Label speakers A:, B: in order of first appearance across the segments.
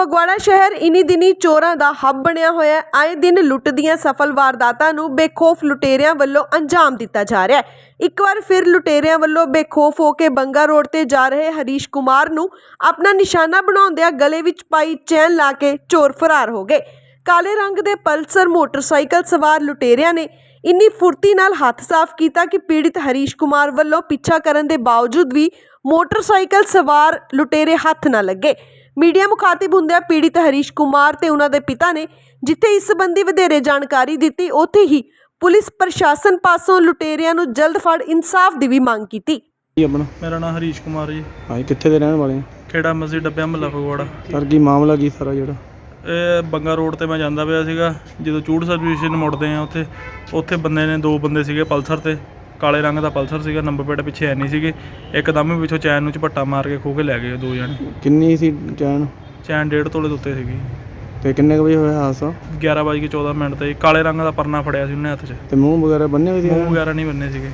A: ਫਗਵਾੜਾ ਸ਼ਹਿਰ ਇਨੀ ਦਿਨੀ ਚੋਰਾਂ ਦਾ ਹੱਬ ਬਣਿਆ ਹੋਇਆ ਹੈ। ਆਏ ਦਿਨ ਲੁੱਟ ਦੀਆਂ ਸਫਲ ਵਾਰਦਾਤਾਂ ਨੂੰ ਬੇਖੌਫ ਲੁਟੇਰਿਆਂ ਵੱਲੋਂ ਅੰਜਾਮ ਦਿੱਤਾ ਜਾ ਰਿਹਾ ਹੈ। ਇੱਕ ਵਾਰ ਫਿਰ ਲੁਟੇਰਿਆਂ ਵੱਲੋਂ ਬੇਖੌਫ ਹੋ ਕੇ ਬੰਗਾ ਰੋਡ ਤੇ ਜਾ ਰਹੇ ਹਰੀਸ਼ ਕੁਮਾਰ ਨੂੰ ਆਪਣਾ ਨਿਸ਼ਾਨਾ ਬਣਾਉਂਦਿਆਂ ਗਲੇ ਵਿੱਚ ਪਾਈ ਚੈਨ ਲਾ ਕੇ ਚੋਰ ਫਰਾਰ ਹੋ ਗਏ। ਕਾਲੇ ਰੰਗ ਦੇ ਪਲਸਰ ਮੋਟਰਸਾਈਕਲ ਸਵਾਰ ਲੁਟੇਰਿਆਂ ਨੇ ਇੰਨੀ ਫੁਰਤੀ ਨਾਲ ਹੱਥ ਸਾਫ਼ ਕੀਤਾ ਕਿ ਪੀੜਿਤ ਹਰੀਸ਼ ਕੁਮਾਰ ਵੱਲੋਂ ਪਿੱਛਾ ਕਰਨ ਦੇ ਬਾਵਜੂਦ ਵੀ ਮੋਟਰਸਾਈਕਲ ਸਵਾਰ ਲੁਟੇਰੇ ਹੱਥ ਨਾ ਲੱਗੇ। मीडिया मुखातिब ਹੁੰਦਿਆਂ पीड़ित हरीश कुमार ਤੇ ਉਹਨਾਂ ਦੇ ਪਿਤਾ ਨੇ ਜਿੱਥੇ ਇਸ ਸੰਬੰਧੀ ਵਧੇਰੇ ਜਾਣਕਾਰੀ ਦਿੱਤੀ, ਉੱਥੇ ਹੀ ਪੁਲਿਸ ਪ੍ਰਸ਼ਾਸਨ ਪਾਸੋਂ ਲੁਟੇਰਿਆਂ ਨੂੰ ਜਲਦ ਫੜ ਇਨਸਾਫ ਦੀ ਵੀ ਮੰਗ ਕੀਤੀ।
B: ਮੇਰਾ ਨਾਮ ਹਰੀਸ਼ ਕੁਮਾਰ ਜੀ।
C: ਹਾਂ, ਕਿੱਥੇ ਦੇ ਰਹਿਣ ਵਾਲੇ?
B: ਖੇੜਾ ਮਸਜਿਦ ਡੱਬਿਆ ਮਹੱਲਾ ਫਗਵਾੜਾ।
C: ਸਰ ਕੀ ਮਾਮਲਾ ਕੀ ਸਾਰਾ ਜਿਹੜਾ?
B: ਇਹ ਬੰਗਾ ਰੋਡ ਤੇ ਮੈਂ ਜਾਂਦਾ ਪਿਆ ਸੀਗਾ, ਜਦੋਂ ਚੂੜ ਸਰਵਿਸ ਸਟੇਸ਼ਨ ਮੁੜਦੇ ਆ ਉੱਥੇ ਬੰਦੇ ਨੇ, ਦੋ ਬੰਦੇ ਸੀਗੇ ਪਲਸਰ ਤੇ, ਕਾਲੇ ਰੰਗ ਦਾ ਪਲਸਰ ਸੀਗਾ, ਨੰਬਰ ਪਲੇਟ ਪਿੱਛੇ ਹੈ ਨਹੀਂ ਸੀਗੇ। ਇੱਕਦਮ ਹੀ ਪਿੱਛੋਂ ਚੈਨ ਨੂੰ ਝਪੱਟਾ ਮਾਰ ਕੇ ਖੋਹ ਕੇ ਲੈ ਗਏ ਦੋ ਜਣੇ।
C: ਕਿੰਨੀ ਸੀ ਚੈਨ?
B: ਚੈਨ 1.5 ਤੋਲੇ ਦੇ ਉੱਤੇ ਸੀਗੀ।
C: ਤੇ ਕਿੰਨੇ ਕੁ ਵਜੇ ਹੋਇਆ ਹਾਦਸਾ?
B: 11:14 ਤੇ ਕਾਲੇ ਰੰਗ ਦਾ ਪਰਨਾ ਫੜਿਆ ਸੀ ਉਹਨੇ ਹੱਥ 'ਚ।
C: ਤੇ ਮੂੰਹ ਵਗੈਰਾ ਬੰਨੇ ਹੋਏ ਸੀ?
B: ਮੂੰਹ ਵਗੈਰਾ ਨਹੀਂ ਬੰਨੇ ਸੀਗੇ।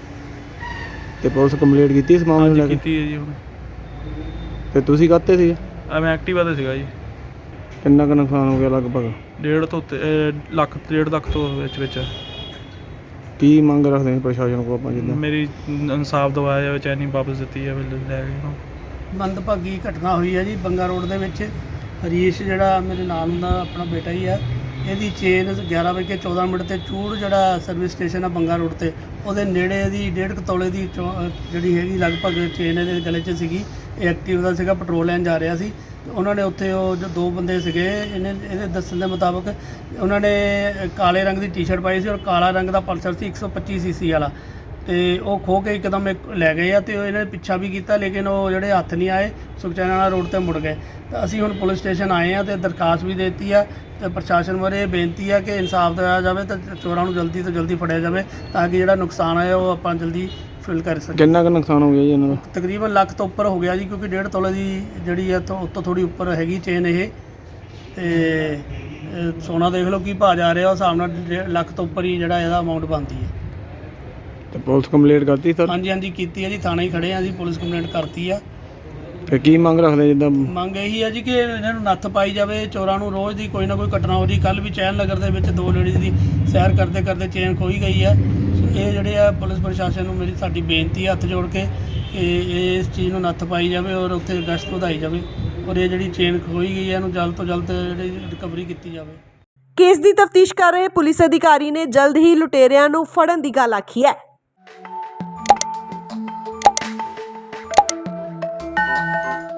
C: ਤੇ ਪੁਲਿਸ ਕੰਪਲੀਟ ਕੀਤੀ ਇਸ ਮਾਮਲੇ ਨੂੰ ਲੈ ਕੇ?
B: ਕੀਤੀ ਹੈ ਜੀ ਹੁਣ।
C: ਤੇ ਤੁਸੀਂ ਕਾਹਤੇ ਸੀ?
B: ਮੈਂ ਐਕਟਿਵਾ ਤੇ ਸੀਗਾ ਜੀ।
C: ਕਿੰਨਾ ਕੁ ਨੁਕਸਾਨ ਹੋ ਗਿਆ ਲਗਭਗ?
B: 1.5 ਤੋਂ ਉੱਤੇ, 1.5 ਲੱਖ ਤੋਂ ਵਿੱਚ।
C: ਕੀ ਮੰਗ ਰੱਖਦੇ ਨੇ ਪ੍ਰਸ਼ਾਸਨ ਕੋਲ ਆਪਾਂ? ਜਿੱਦਾਂ
B: ਮੇਰੀ ਇਨਸਾਫ ਦਵਾਇਆ ਜਾਵੇ, ਚੈਨੀ ਵਾਪਸ ਦਿੱਤੀ ਜਾਵੇ, ਲੈ ਗਏ।
D: ਮੰਦਭਾਗੀ ਘਟਨਾ ਹੋਈ ਹੈ ਜੀ ਬੰਗਾ ਰੋਡ ਦੇ ਵਿੱਚ। ਹਰੀਸ਼ ਜਿਹੜਾ ਮੇਰੇ ਨਾਲ ਹੁੰਦਾ ਆਪਣਾ ਬੇਟਾ ਹੀ ਆ, ਇਹਦੀ ਚੇਨ 11:14 ਤੇ ਚੂੜ ਜਿਹੜਾ ਸਰਵਿਸ ਸਟੇਸ਼ਨ ਆ ਬੰਗਾ ਰੋਡ ਤੇ, ਉਹਦੇ ਨੇੜੇ ਇਹਦੀ 1.5 ਤੋਲੇ ਦੀ ਜਿਹੜੀ ਹੈਗੀ ਲਗਭਗ ਚੇਨ ਇਹਦੇ ਗਲੇ 'ਚ ਸੀਗੀ। ਇਹ ਐਕਟਿਵ ਦਾ ਸੀਗਾ, ਪੈਟਰੋਲ ਲੈਣ ਜਾ ਰਿਹਾ ਸੀ। ਉਹਨਾਂ ਨੇ ਉੱਥੇ ਉਹ ਜੋ ਦੋ ਬੰਦੇ ਸੀਗੇ, ਇਹਦੇ ਦੱਸਣ ਦੇ ਮੁਤਾਬਕ ਉਹਨਾਂ ਨੇ ਕਾਲੇ ਰੰਗ ਦੀ ਟੀ-ਸ਼ਰਟ ਪਾਈ ਸੀ ਔਰ ਕਾਲਾ ਰੰਗ ਦਾ ਪਲਸਰ ਸੀ 125 cc ਵਾਲਾ, ਤੇ ਉਹ ਖੋਹ ਕੇ ਇੱਕਦਮ ਲੈ ਗਏ ਆ। ਤੇ ਇਹਨਾਂ ਨੇ ਪਿੱਛਾ ਵੀ ਕੀਤਾ, ਲੇਕਿਨ ਉਹ ਜਿਹੜੇ ਹੱਥ ਨਹੀਂ ਆਏ, ਸੁਖਚੈਨ ਰੋਡ ਤੇ ਮੁੜ ਗਏ। ਤਾਂ ਅਸੀਂ ਹੁਣ ਪੁਲਿਸ ਸਟੇਸ਼ਨ ਆਏ ਆ ਤੇ ਦਰਖਾਸਤ ਵੀ ਦੇ ਦਿੱਤੀ ਆ ਤੇ ਪ੍ਰਸ਼ਾਸਨ ਬਾਰੇ ਇਹ ਬੇਨਤੀ ਆ ਕਿ ਇਨਸਾਫ ਦਿਵਾਇਆ ਜਾਵੇ ਤੇ ਚੋਰਾਂ ਨੂੰ ਜਲਦੀ ਤੋਂ ਜਲਦੀ ਫੜਿਆ ਜਾਵੇ, ਤਾਂ ਕਿ ਜਿਹੜਾ ਨੁਕਸਾਨ ਆਇਆ ਉਹ ਆਪਾਂ ਜਲਦੀ ਫਿਲ ਕਰ ਸਕੀਏ।
C: ਕਿੰਨਾ ਕੁ ਨੁਕਸਾਨ ਹੋ ਗਿਆ ਜੀ ਇਹਨਾਂ ਦਾ?
D: ਤਕਰੀਬਨ ਲੱਖ ਤੋਂ ਉੱਪਰ ਹੋ ਗਿਆ ਜੀ, ਕਿਉਂਕਿ 1.5 ਤੋਲੇ ਦੀ ਜਿਹੜੀ ਆ ਉੱਤੋਂ ਥੋੜੀ ਉੱਪਰ ਹੈਗੀ ਚੇਨ ਇਹ। ਤੇ ਸੋਨਾ ਦੇਖ ਲਓ ਕੀ ਭਾਅ ਜਾ ਰਿਹਾ, ਉਸ ਹਿਸਾਬ ਨਾਲ 1.5 ਲੱਖ ਤੋਂ ਉੱਪਰ ਹੀ ਜਿਹੜਾ ਇਹਦਾ ਅਮਾਊਂਟ ਬਣਦੀ ਹੈ।
C: ਤੇ ਪੁਲਿਸ ਕੰਪਲੀਟ ਕਰਤੀ ਸਰ?
D: ਹਾਂਜੀ ਕੀਤੀ ਹੈ ਜੀ, ਥਾਣੇ ਹੀ ਖੜੇ ਆ ਜੀ, ਪੁਲਿਸ ਕੰਪਲੇਂਟ ਕਰਤੀ ਆ।
C: ਤੇ ਕੀ ਮੰਗ ਰੱਖਦੇ? ਜਿੱਦਾਂ
D: ਮੰਗ ਇਹੀ ਹੈ ਜੀ ਕਿ ਇਹਨਾਂ ਨੂੰ ਨੱਥ ਪਾਈ ਜਾਵੇ, ਚੋਰਾਂ ਨੂੰ ਰੋਜ਼ ਦੀ ਕੋਈ ਨਾ ਕੋਈ ਘਟਨਾ ਹੋ ਰਹੀ। ਕੱਲ੍ਹ ਵੀ ਚੈਨ ਨਗਰ ਦੇ ਵਿੱਚ ਦੋ ਲੇਡੀਜ਼ ਦੀ ਸੈਰ ਕਰਦੇ ਕਰਦੇ ਚੇਨ ਖੋਈ ਗਈ ਹੈ। ਇਹ ਜਿਹੜੇ ਆ ਪੁਲਿਸ ਪ੍ਰਸ਼ਾਸਨ ਨੂੰ ਸਾਡੀ ਬੇਨਤੀ ਹੈ ਹੱਥ ਜੋੜ ਕੇ ਕਿ ਇਸ ਚੀਜ਼ ਨੂੰ ਨੱਥ ਪਾਈ ਜਾਵੇ ਔਰ ਉੱਥੇ ਗਸ਼ਤ ਵਧਾਈ ਜਾਵੇ ਔਰ ਇਹ ਜਿਹੜੀ ਚੇਨ ਖੋਈ ਗਈ ਹੈ ਇਹਨੂੰ ਜਲਦ ਤੋਂ ਜਲਦ ਜਿਹੜੀ ਰਿਕਵਰੀ ਕੀਤੀ ਜਾਵੇ।
A: ਕੇਸ ਦੀ ਤਫਤੀਸ਼ ਕਰ ਰਹੇ ਪੁਲਿਸ ਅਧਿਕਾਰੀ ਨੇ ਜਲਦ ਹੀ ਲੁਟੇਰਿਆਂ ਨੂੰ ਫੜਨ ਦੀ ਗੱਲ ਆਖੀ ਹੈ।